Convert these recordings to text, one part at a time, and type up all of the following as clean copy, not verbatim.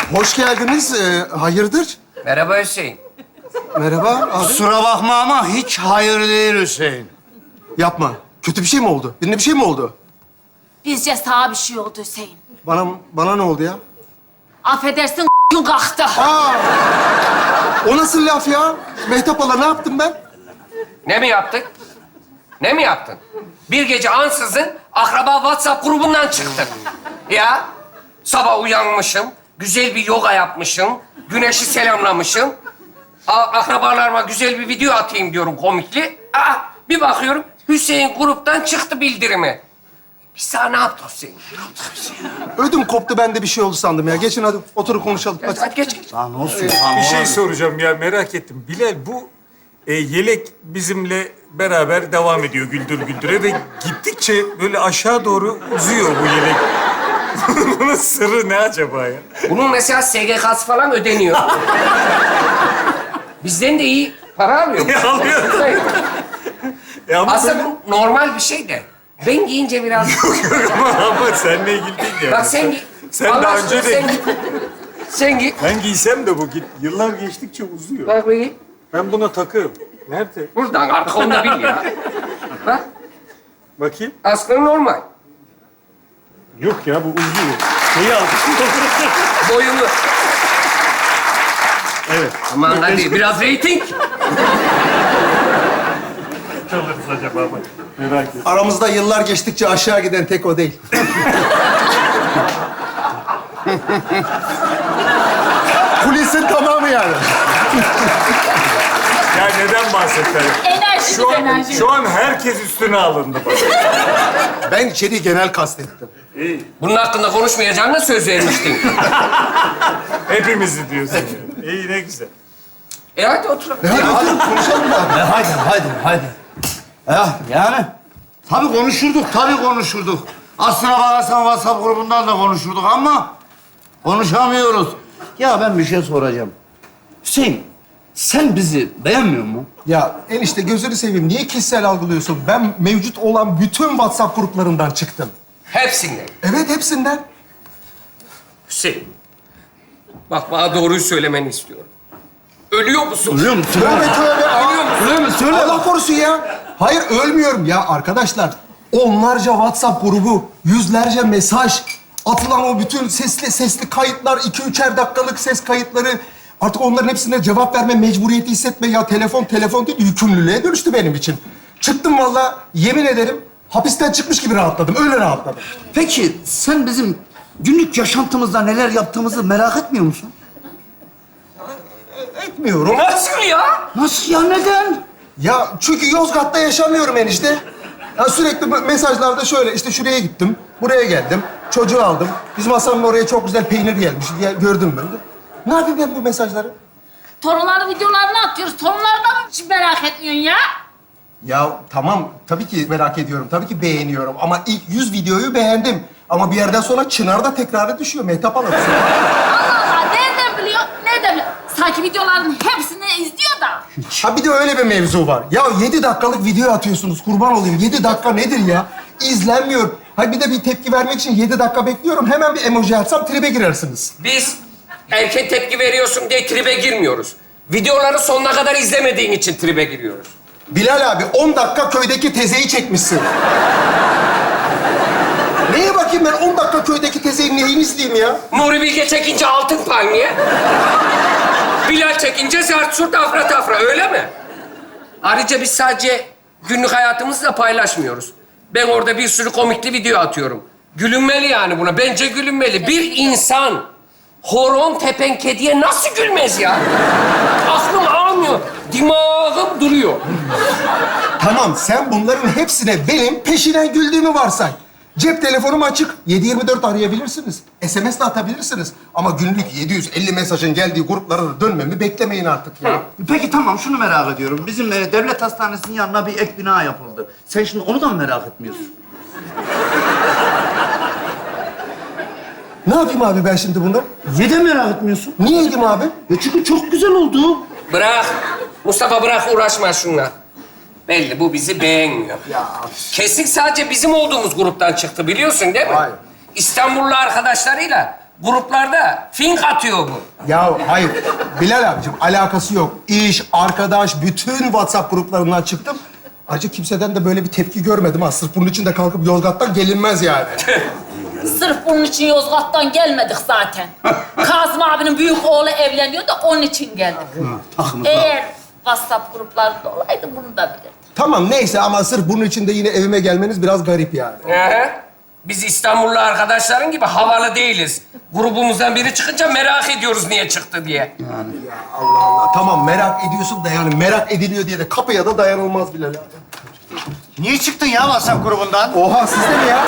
Hoş geldiniz. Hayırdır? Merhaba Hüseyin. Merhaba abi. Kusura bakma ama hiç hayır değil Hüseyin. Yapma. Kötü bir şey mi oldu? Birine bir şey mi oldu? Bizce sağa bir şey oldu Hüseyin. Bana ne oldu ya? Affedersin gün kalktı. Aa! O nasıl laf ya? Mehtap hala ne yaptım ben? Ne mi yaptın? Ne mi yaptın? Bir gece ansızın akraba WhatsApp grubundan çıktın. Ya sabah uyanmışım, güzel bir yoga yapmışım, güneşi selamlamışım. Akrabalarıma güzel bir video atayım diyorum komikli. Bir bakıyorum Hüseyin gruptan çıktı bildirimi. Biz sana ne yaptık Hüseyin? Ödüm koptu, ben de bir şey oldu sandım ya. Geçin hadi oturup konuşalım. Hadi. Hadi geç. Lan olsun. Bir şey soracağım ya, merak ettim. Bilal, bu yelek bizimle beraber devam ediyor güldür güldüre ve gittikçe böyle aşağı doğru uzuyor bu yelek. Bunun sırrı ne acaba ya? Bunun mesela SGK'sı falan ödeniyor. Bizden de iyi para alıyor. Alıyor. Ama Aslında böyle... bu normal bir şey de. Ben giyince biraz... ama seninle ilgili değil yani. Bak sen giy. Sen Allah daha aşkına önce de... sen giy. Sen giy. Ben giysem de bu yıllar geçtikçe uzuyor. Bak bakayım. Ben buna takığım. Nerede? Buradan arkamda bil ya. Bak Bakayım. aslında normal. Yok ya, bu uzuyor. Şeyi al. Boyunu. Evet. Aman hadi biraz reyting. Alırız acaba bak. Merak ettim. Aramızda yıllar geçtikçe aşağı giden tek o değil. Kulisin tamamı yani. Ya neden bahsettiler? Enerji. Şu an herkes üstüne alındı bak. Ben içeriği genel kastettim. Bunun hakkında konuşmayacağına söz vermiştin. Hepimizi diyorsun yani. İyi, ne güzel. Hadi oturalım. Hadi oturup konuşalım da. Hadi. Ya yani tabii konuşurduk. Aslına bakarsan WhatsApp grubundan da konuşurduk ama konuşamıyoruz. Ya ben bir şey soracağım. Hüseyin, sen bizi beğenmiyor musun? Ya enişte gözünü seveyim. Niye kişisel algılıyorsun? Ben mevcut olan bütün WhatsApp gruplarından çıktım. Hepsinden. Evet, hepsinden. Hüseyin. Bak bana doğruyu söylemeni istiyorum. Ölüyor musun? Biliyor musun? Tövbe tövbe. Öyle mi? Söyle Allah bak. korusun ya. Hayır, ölmüyorum ya arkadaşlar. Onlarca WhatsApp grubu, yüzlerce mesaj, atılan o bütün sesli kayıtlar, 2-3'er dakikalık ses kayıtları. Artık onların hepsine cevap verme mecburiyeti hissetme ya. Telefon değil, yükümlülüğe dönüştü benim için. Çıktım vallahi, yemin ederim hapisten çıkmış gibi rahatladım. Öyle rahatladım. Peki sen bizim günlük yaşantımızda neler yaptığımızı merak etmiyor musun? Etmiyorum. Nasıl ya? Nasıl ya, neden? Ya çünkü Yozgat'ta yaşamıyorum enişte. Ya sürekli mesajlarda şöyle, işte şuraya gittim, buraya geldim, çocuğu aldım. Bizim Hasan'ın oraya çok güzel peynir gelmiş diye gördüm ben de. Ne yapayım ben bu mesajları? Torunların videolarını atıyoruz. Torunlardan mı hiç merak etmiyorsun ya? Ya tamam, tabii ki merak ediyorum, tabii ki beğeniyorum. Ama ilk 100 videoyu beğendim. Ama bir yerden sonra çınarda tekrarı düşüyor. Mehtap Hanım. Allah Allah, nereden biliyor? Nereden biliyor? Sanki videoların hepsini izliyor da. Ha bir de öyle bir mevzu var. Ya 7 dakikalık video atıyorsunuz, kurban olayım. 7 dakika nedir ya? İzlenmiyor. Ha bir de bir tepki vermek için 7 dakika bekliyorum. Hemen bir emoji atsam tribe girersiniz. Biz erken tepki veriyorsun diye tribe girmiyoruz. Videoları sonuna kadar izlemediğin için tribe giriyoruz. Bilal abi 10 dakika köydeki tezeyi çekmişsin. Neye bakayım ben 10 dakika köydeki tezeyi neyini izleyeyim ya? Nuri Bilge çekince altın palmiye. Bilal çekince zart surt afra tafra, öyle mi? Ayrıca biz sadece günlük hayatımızı da paylaşmıyoruz. Ben orada bir sürü komikli video atıyorum. Gülünmeli yani buna. Bence gülünmeli. Bir insan horon tepen kediye nasıl gülmez ya? Aklım almıyor. Dimağım duruyor. Tamam, sen bunların hepsine benim peşinden güldüğümü varsay. Cep telefonum açık. 7/24 arayabilirsiniz. SMS de atabilirsiniz. Ama günlük 750 mesajın geldiği gruplara da dönmemi beklemeyin artık ya. Peki tamam, şunu merak ediyorum. Bizim devlet hastanesinin yanına bir ek bina yapıldı. Sen şimdi onu da mı merak etmiyorsun? Ne yapayım abi ben şimdi bunu? Niye de merak etmiyorsun? Niye yedim abi? Çünkü çok güzel oldu. Bırak. Mustafa bırak, uğraşma şunla. Belli bu bizi beğenmiyor. Kesin sadece bizim olduğumuz gruptan çıktı, biliyorsun değil mi? Hayır. İstanbullu arkadaşlarıyla gruplarda fink atıyor bu. Ya hayır, Bilal abicim alakası yok. İş, arkadaş, bütün WhatsApp gruplarından çıktım. Ayrıca kimseden de böyle bir tepki görmedim ha. Sırf bunun için de kalkıp Yozgat'tan gelinmez yani. Sırf bunun için Yozgat'tan gelmedik zaten. Kazım abinin büyük oğlu evleniyor da onun için geldik. Eğer WhatsApp gruplarında olaydı bunu da bilirdim. Tamam neyse ama sırf bunun için de yine evime gelmeniz biraz garip yani. Biz İstanbullu arkadaşların gibi havalı değiliz. Grubumuzdan biri çıkınca merak ediyoruz niye çıktı diye. Allah Allah. Tamam merak ediyorsun da yani merak ediliyor diye de kapıya da dayanılmaz Bilal abi. Niye çıktın ya WhatsApp grubundan? Oha siz de mi ya?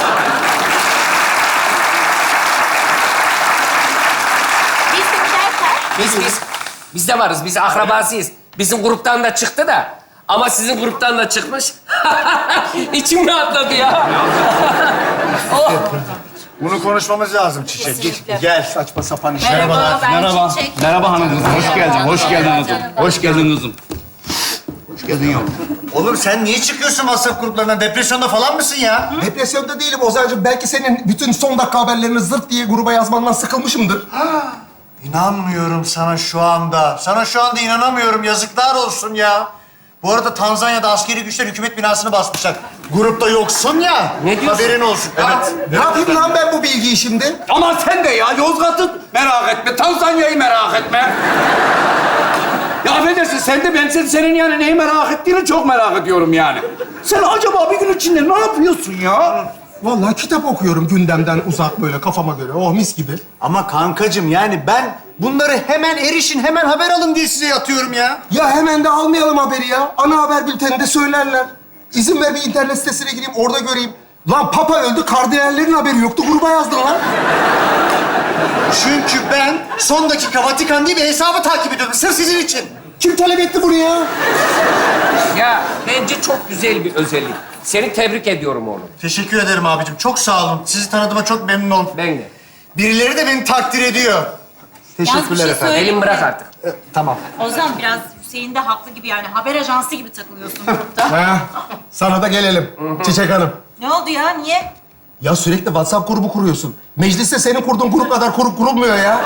Biz de giderken Biz de varız. Biz akrabasıyız. Bizim gruptan da çıktı da. Ama sizin gruptan da çıkmış. İçim rahatladı ya. Oh. Bunu konuşmamız lazım Çiçek. Kesinlikle. Gel. Saçma sapan işler. Merhaba, ben Merhaba. Çiçek. Merhaba hanım kızım. Hoş geldin. Hoş geldin kızım. Hoş geldin kızım. Hoş geldin yavrum. Oğlum sen niye çıkıyorsun WhatsApp gruplarından? Depresyonda falan mısın ya? Depresyonda değilim Ozan'cığım. Belki senin bütün son dakika haberlerini zırt diye gruba yazmandan sıkılmışımdır. İnanmıyorum sana şu anda. Sana şu anda inanamıyorum. Yazıklar olsun ya. Bu arada Tanzanya'da askeri güçler hükümet binasını basmışlar. Grupta yoksun ya. Ne diyorsun? Haberin olsun. Evet. Ne yapayım lan ben bu bilgiyi şimdi? Ama sen de ya Yozgat'ı merak etme. Tanzanya'yı merak etme. Ya affedersin sen de ben senin yani neyi merak ettiğini çok merak ediyorum yani. Sen acaba bir gün içinde ne yapıyorsun ya? Vallahi kitap okuyorum gündemden uzak böyle kafama göre. Oh mis gibi. Ama kankacığım yani ben bunları hemen erişin, hemen haber alın diye size yatıyorum ya. Ya hemen de almayalım haberi ya. Ana haber bülteninde söylerler. İzin ver bir internet sitesine gireyim, orada göreyim. Lan Papa öldü, kardinallerin haberi yoktu. Gruba yazdın lan. Çünkü ben son dakika Vatikan diye bir hesabı takip ediyordum. Sırf sizin için. Kim talep etti bunu ya? Ya bence çok güzel bir özellik. Seni tebrik ediyorum oğlum. Teşekkür ederim abicim. Çok sağ olun. Sizi tanıdığıma çok memnun oldum. Ben de. Birileri de beni takdir ediyor. Yalnız bir şey söyleyeyim Elim mi? bırak artık. Tamam. Ozan biraz Hüseyin de haklı gibi yani haber ajansı gibi takılıyorsun grupta. Ha, sana da gelelim Çiçek Hanım. Ne oldu ya? Niye? Ya sürekli WhatsApp grubu kuruyorsun. Mecliste senin kurduğun grup kadar grup kurulmuyor ya.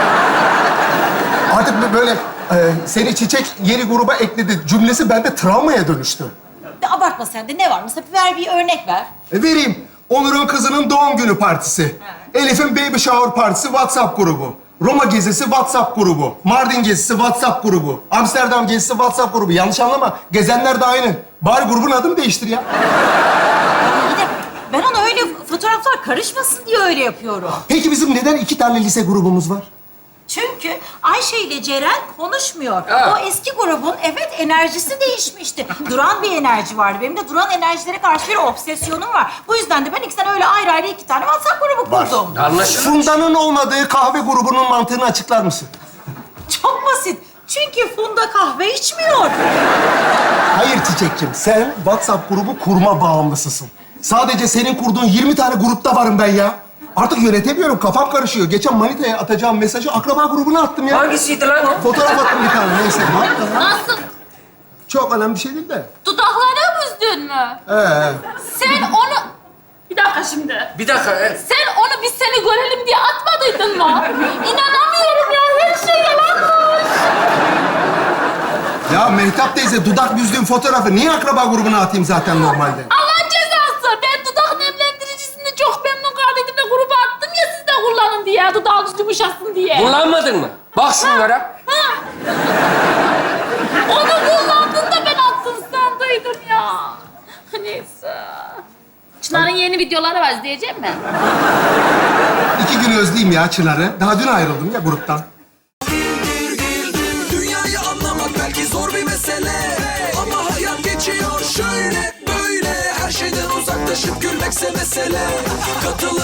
Artık böyle seni Çiçek yeni gruba ekledi cümlesi bende travmaya dönüştü. De abartma sen de ne var? Mesela ver bir örnek ver. Vereyim. Onur'un kızının doğum günü partisi. Elif'in baby shower partisi WhatsApp grubu. Roma gezisi WhatsApp grubu. Mardin gezisi WhatsApp grubu. Amsterdam gezisi WhatsApp grubu. Yanlış anlama. Gezenler de aynı. Bari grubun adını değiştir ya. İyi de ben ona öyle fotoğraflar karışmasın diye öyle yapıyorum. Peki bizim neden 2 tane lise grubumuz var? Çünkü Ayşe ile Ceren konuşmuyor. Ha. O eski grubun evet enerjisi değişmişti. Duran bir enerji vardı. Benim de duran enerjilere karşı bir obsesyonum var. Bu yüzden de ben ikisinden öyle ayrı ayrı 2 tane WhatsApp grubu kurdum. Anlaşıldı. Funda'nın olmadığı kahve grubunun mantığını açıklar mısın? Çok basit. Çünkü Funda kahve içmiyor. Hayır Çiçek'cim, sen WhatsApp grubu kurma bağımlısısın. Sadece senin kurduğun 20 tane grupta varım ben ya. Artık yönetemiyorum, kafam karışıyor. Geçen Manita'ya atacağım mesajı akraba grubuna attım ya. Hangisiydi lan o? Fotoğraf attım bir tane, neyse. Nasıl? Çok önemli bir şey değil de. Dudakları büzdün mü? Sen onu... Bir dakika şimdi. Bir dakika. Sen onu biz seni görelim diye atmadıydın mı? İnanamıyorum ya. Her şey yalanmış. Ya Mehtap teyze, dudak büzdüğüm fotoğrafı niye akraba grubuna atayım zaten normalde? Allah cezası. Ben dudak nemlendiricisini çok memnun kaldıydım da gruba attım ya siz de kullanın diye. Dudağınız yumuşasın diye. Kullanmadın mı? Bak şunlara. Ha. Onu kullandın da ben attın sandıydım ya. Neyse. Çınar'ın yeni videoları var, izleyecek mi? 2 gün özleyeyim ya Çınar'ı. Daha dün ayrıldım ya gruptan. Dünyayı anlamak belki zor bir mesele, ama hayat geçiyor şöyle böyle. Her şeyden uzaklaşıp gülmekse mesele. Katıl